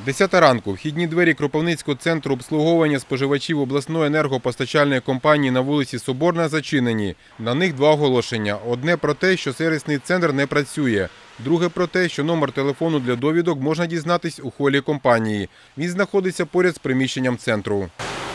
10 ранку. Вхідні двері Кропивницького центру обслуговування споживачів обласної енергопостачальної компанії на вулиці Соборна зачинені. На них два оголошення. Одне про те, що сервісний центр не працює. Друге про те, що номер телефону для довідок можна дізнатись у холі компанії. Він знаходиться поряд з приміщенням центру.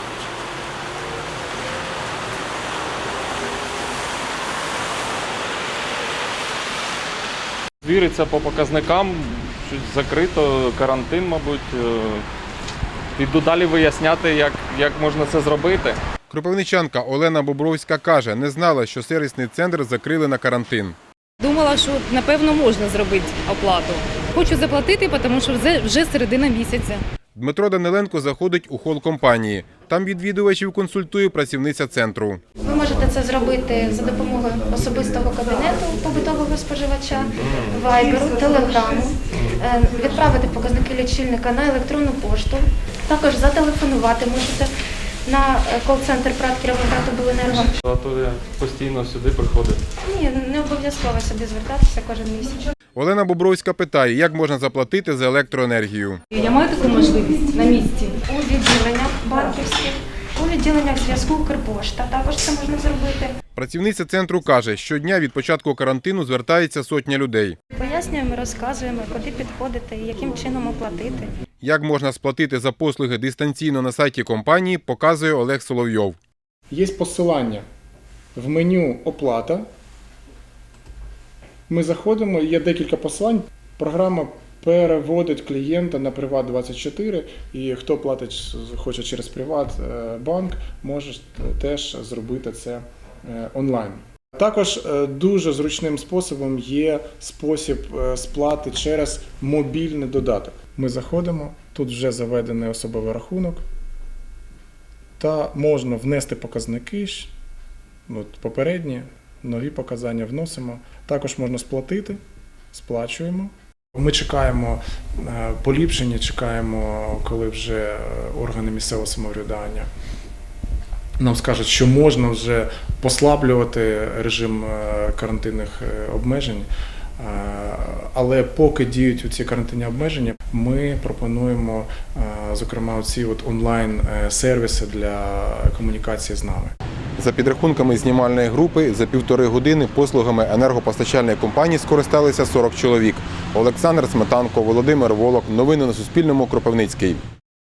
Звіриться по показникам, щось закрито, карантин, мабуть. Піду далі виясняти, як можна це зробити. Кропивничанка Олена Бобровська каже, не знала, що сервісний центр закрили на карантин. Думала, що, напевно, можна зробити оплату. Хочу заплатити, тому що вже середина місяця. Дмитро Даниленко заходить у хол компанії. Там відвідувачів консультує працівниця центру. Ви можете це зробити за допомогою особистого кабінету побутового споживача, вайберу, телеграму, відправити показники лічильника на електронну пошту, також зателефонувати можете на кол-центр ПрАТ «Кіровоградобленерго». А то я постійно сюди приходив. Ні, не обов'язково сюди звертатися кожен місяць. Олена Бобровська питає, як можна заплатити за електроенергію. Я маю таку можливість на місці. У відділеннях банківських, у відділеннях зв'язку Укрпошта також це можна зробити. Працівниця центру каже, щодня від початку карантину звертається сотня людей. Пояснюємо, розказуємо, куди підходити і яким чином оплатити. Як можна сплатити за послуги дистанційно на сайті компанії, показує Олег Соловйов. Є посилання в меню «Оплата». Ми заходимо, є декілька посилань. Програма переводить клієнта на Приват24, і хто платить, хоче через Приватбанк, може теж зробити це онлайн. Також дуже зручним способом є спосіб сплати через мобільний додаток. Ми заходимо, тут вже заведений особовий рахунок, та можна внести показники, попередні, нові показання вносимо. Також можна сплатити, сплачуємо. Ми чекаємо поліпшення, чекаємо, коли вже органи місцевого самоврядування нам скажуть, що можна вже послаблювати режим карантинних обмежень. Але поки діють ці карантинні обмеження, ми пропонуємо, зокрема, ці онлайн-сервіси для комунікації з нами. За підрахунками знімальної групи, за 1,5 години послугами енергопостачальної компанії скористалися 40 чоловік. Олександр Сметанко, Володимир Волок. Новини на Суспільному. Кропивницький.